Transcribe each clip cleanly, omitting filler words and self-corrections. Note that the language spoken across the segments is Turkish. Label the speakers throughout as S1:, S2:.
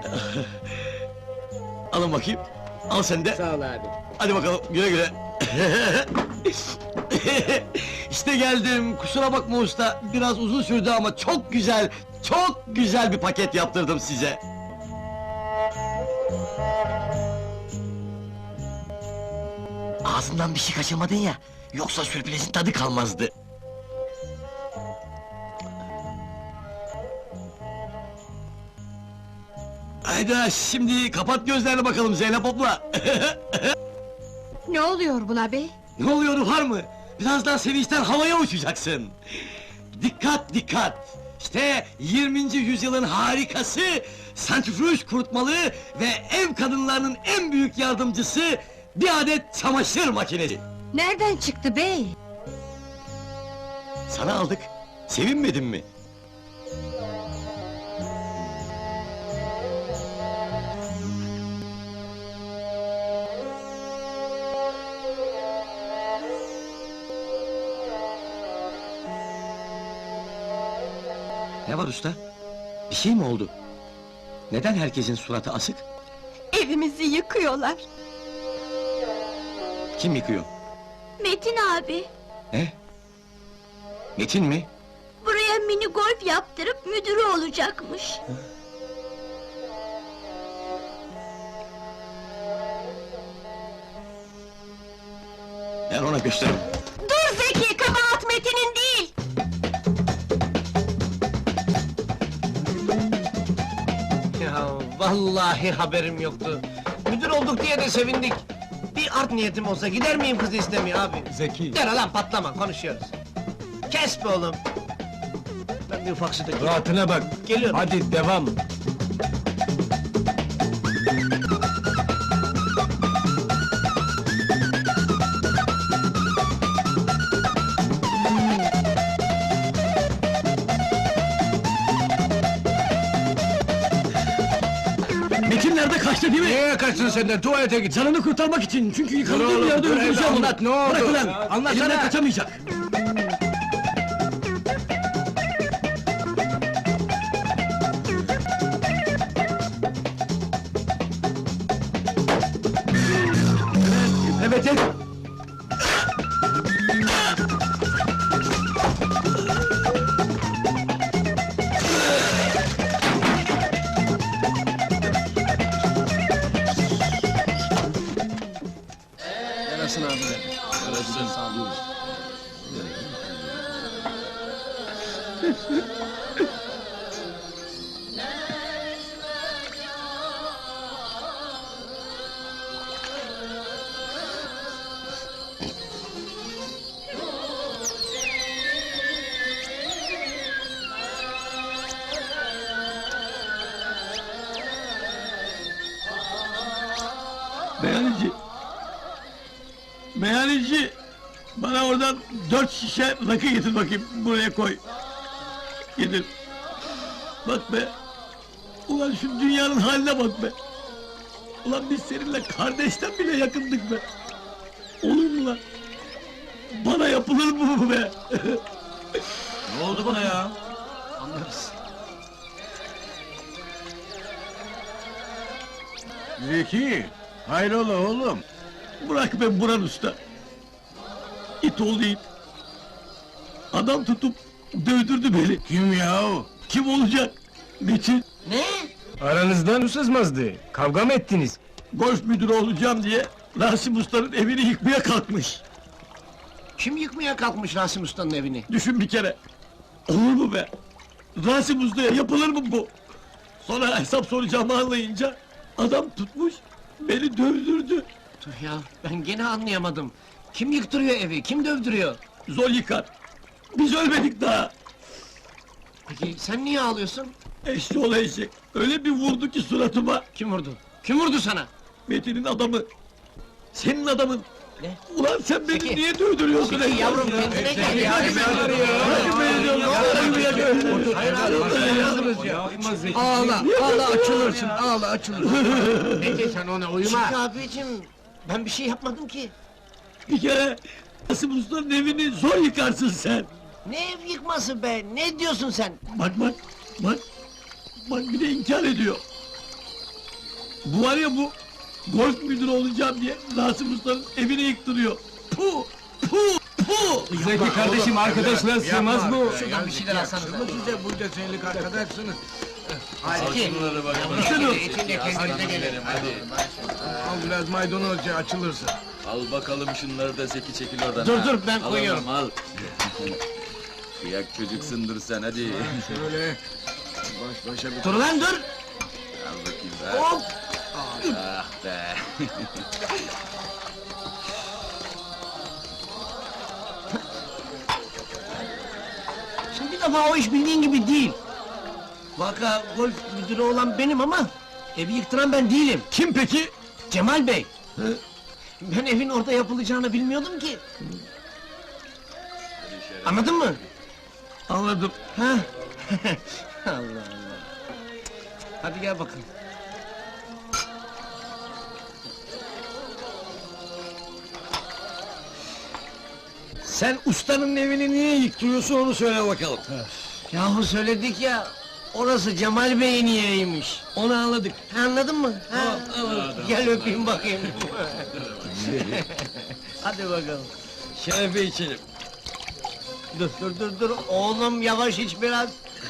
S1: Alın bakayım. Al sen de.
S2: Sağ ol abi.
S1: Hadi bakalım, güle güle. İşte geldim, kusura bakma usta. Biraz uzun sürdü ama çok güzel bir paket yaptırdım size. Ağzından bir şey kaçırmadın ya, yoksa sürprizin tadı kalmazdı. Hayda, şimdi kapat gözlerini bakalım Zeynep abla!
S3: Ne oluyor buna be?
S1: Ne oluyor var mı? Birazdan sevinçten havaya uçacaksın! Dikkat dikkat! İşte 20. yüzyılın harikası, santrifüj kurutmalı ve ev kadınlarının en büyük yardımcısı bir adet çamaşır makinesi!
S3: Nereden çıktı bey?
S1: Sana aldık, sevinmedin mi? Ne var usta? Bir şey mi oldu? Neden herkesin suratı asık?
S3: Evimizi yıkıyorlar.
S1: Kim yıkıyor?
S3: Metin abi,
S1: Ne? Metin mi?
S3: buraya mini golf yaptırıp müdürü olacakmış.
S1: Ben ona gösteririm.
S3: Dur Zeki, kabahat Metin'in değil!
S2: Ya vallahi haberim yoktu. Müdür olduk diye de sevindik. Bir art niyetim olsa gider miyim kız istemeye abi?
S4: Zeki!
S2: Gel lan patlama, konuşuyoruz. Kes be oğlum! Ben bir ufak su dökeyim.
S4: Rahatına bak!
S2: Geliyorum.
S4: Hadi devam!
S1: Metin nerede kaçtı değil mi?
S4: Nereye kaçtın sen de? Tuvalete git!
S1: Canını kurtarmak için, çünkü
S4: Dur
S1: yıkandığım
S4: oğlum,
S1: yerde
S4: dur evde,
S1: öldüreceğim onu!
S4: anlat, ne oldu?
S1: Bırak ulan!
S4: Anlatsana!
S1: Elimden kaçamayacak! Evet, evet!
S2: Yarasın abi. Yarasın. Sağ ol.
S1: Meyhaneci! Meyhaneci! Bana oradan 4 şişe rakı getir bakayım, buraya koy! Getir! Bak be! Ulan şu dünyanın haline bak be! Ulan biz seninle kardeşten bile yakındık be! Olur mu lan? Bana yapılır mı bu be?
S4: Ne oldu bana ya?
S2: Anlarız.
S4: Zeki! Hayrola oğlum?
S1: Bırak be Buran usta! İt oğlu it! Adam tutup dövdürdü beni!
S4: Kim yahu?
S1: Kim olacak? Metin!
S2: Ne?
S4: Aranızdan sızmazdı. Kavga mı ettiniz?
S1: Golf müdürü olacağım diye Rasim Usta'nın evini yıkmaya kalkmış!
S2: Kim yıkmaya kalkmış Rasim Usta'nın evini?
S1: Düşün bir kere! Olur mu be? Rasim Usta'ya yapılır mı bu? Sonra hesap soracağımı anlayınca adam tutmuş, beni dövdürdü!
S2: Dur ya, ben gene anlayamadım. Kim yıktırıyor evi, kim dövdürüyor?
S1: Zor yıkar! Biz ölmedik daha!
S2: Peki sen niye ağlıyorsun?
S1: Eşşoğlu eşek! Öyle bir vurdu ki suratıma!
S2: Kim vurdu? Kim vurdu sana?
S1: Metin'in adamı! Senin adamın!
S2: Ne?
S1: Ulan sen beni
S2: Peki.
S1: niye dövdürüyorsun
S2: Peki
S1: Eşşoğlu
S2: yavrum,
S1: ya?
S2: kendine gel ya.
S1: Bırakın beni diyorum! Bırakın beni!
S2: Hayır abi,
S5: Ağla, ağla açılırsın, ağla açılırsın.
S2: Peki sen ona uyuma. Çünkü abicim, ben bir şey yapmadım ki.
S1: Bir kere Rasim Usta'nın evini zor yıkarsın sen!
S2: Ne ev yıkması be, ne diyorsun sen?
S1: Bak bak, bak! Bak bir de inkar ediyor! Bu var ya bu, golf müdürü olacağım diye Rasim Usta'nın evini yıktırıyor. Puh! Puh! Puh!
S4: Zeki kardeşim arkadaşlar sığmaz bu.
S2: Şuradan bir şeyler alsanız.
S5: Yaklaşık mı size bunca senelik arkadaşsınız?
S2: Zeki,
S1: Şunu!
S2: içinde kendinize gelin.
S5: Al biraz maydanozca açılırsın.
S6: Al bakalım şunları da Zeki çekil oradan.
S2: Dur
S6: ha.
S2: dur, ben
S6: Al
S2: koyuyorum.
S6: oğlum, al. Kıyak çocuksundur sen hadi.
S5: Şöyle baş başa bir...
S2: Dur lan dur!
S6: Al bakayım be.
S2: Hop!
S6: Ah be.
S2: Şimdi bir defa o iş bildiğin gibi değil. Vaka golf müdürü olan benim ama evi yıktıran ben değilim.
S1: Kim peki?
S2: Cemal Bey. Ben evin orada yapılacağını bilmiyordum ki. Anladın mı?
S1: Anladım.
S2: Ha? Allah Allah. Hadi gel bakalım.
S1: Sen ustanın evini niye yıktırıyorsun onu söyle bakalım.
S2: Yahu söyledik ya, orası Cemal Bey'in yeriymiş.
S1: Onu anladık.
S2: Anladın mı? Ha?
S1: Anladım.
S2: Gel öpeyim bakayım. Hadi bakalım.
S1: Şerefe içelim.
S2: Dur, oğlum yavaş iç biraz.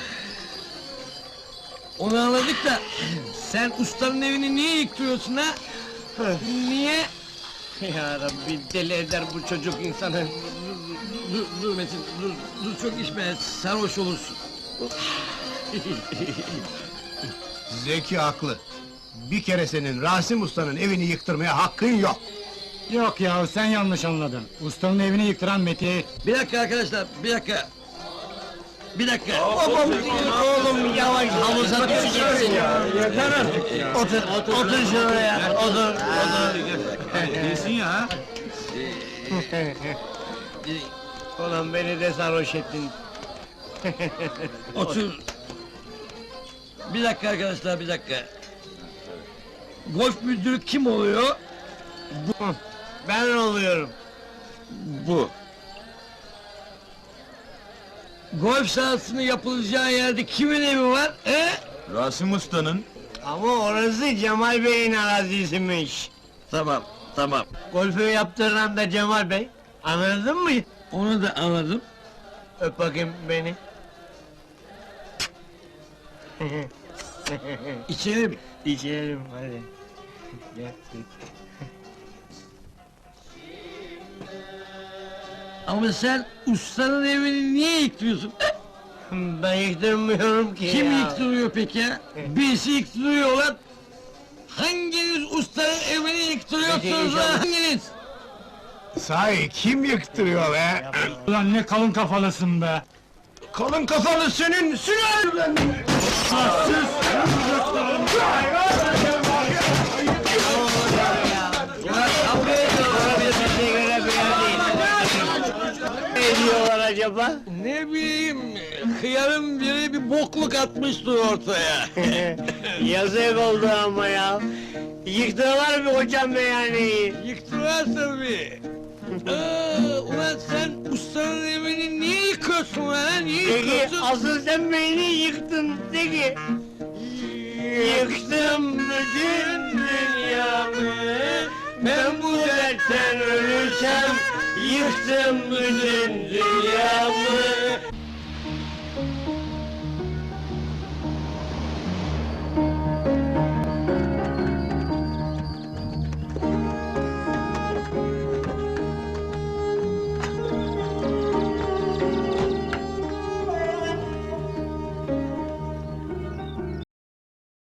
S1: Onu anladık da sen ustanın evini niye yıktırıyorsun ha? Niye?
S2: Ya Rabbi, deli eder bu çocuk insanı.
S1: Dur Metin, dur çok içme, sarhoş olursun.
S7: Zeki haklı. Bir kere senin Rasim Usta'nın evini yıktırmaya hakkın yok.
S4: Yok ya sen yanlış anladın. Ustanın evini yıktıran Metiye.
S1: Bir dakika arkadaşlar, bir dakika. Bir dakika.
S2: Oğlum yavaş havuza düşeceksin. Otur şuraya, otur.
S4: İyisin ya ha?
S2: Ulan beni de sarhoş ettin.
S1: Otur. Bir dakika arkadaşlar, bir dakika. Golf müdürü kim oluyor?
S2: Ben oluyorum.
S1: Bu. Golf sahasının yapılacağı yerde kimin evi var?
S6: Rasim Usta'nın.
S2: Ama orası Cemal Bey'in arazisiymiş.
S1: Tamam, tamam.
S2: Golfü yaptıran da Cemal Bey. Anladın mı?
S1: Onu da anladım.
S2: Öp bakayım beni.
S1: İçelim.
S2: İçelim hadi. Gel.
S1: Ama sen ustanın evini niye yıktırıyorsun?
S2: Ben yıktırmıyorum ki
S1: Kim
S2: ya.
S1: yıktırıyor peki? Birisi yıktırıyor lan. Hanginiz ustanın evini yıktırıyorsunuz lan? Hanginiz?
S7: Sahi kim yıktırıyor be?
S4: Ulan ne kalın kafalısın be.
S7: Kalın kafalı senin sülalenden!
S2: Ulan kavga ediyorlar bir şey göre bir yer değil. Ne diyorlar acaba?
S1: Ne bileyim, hıyarın biri bir bokluk atmıştır ortaya.
S2: Yazık oldu ama ya. Yıktılar mı hocam meyhaneyi?
S1: Yıktılar tabii. Ulan sen ustanın evini niye yıkıyorsun lan? Niye
S2: Peki
S1: yıkıyorsun?
S2: asıl sen beni yıktın peki. Yıktım bütün dünyamı. Ben bu dertten ölürsem yıktım bütün dünyamı.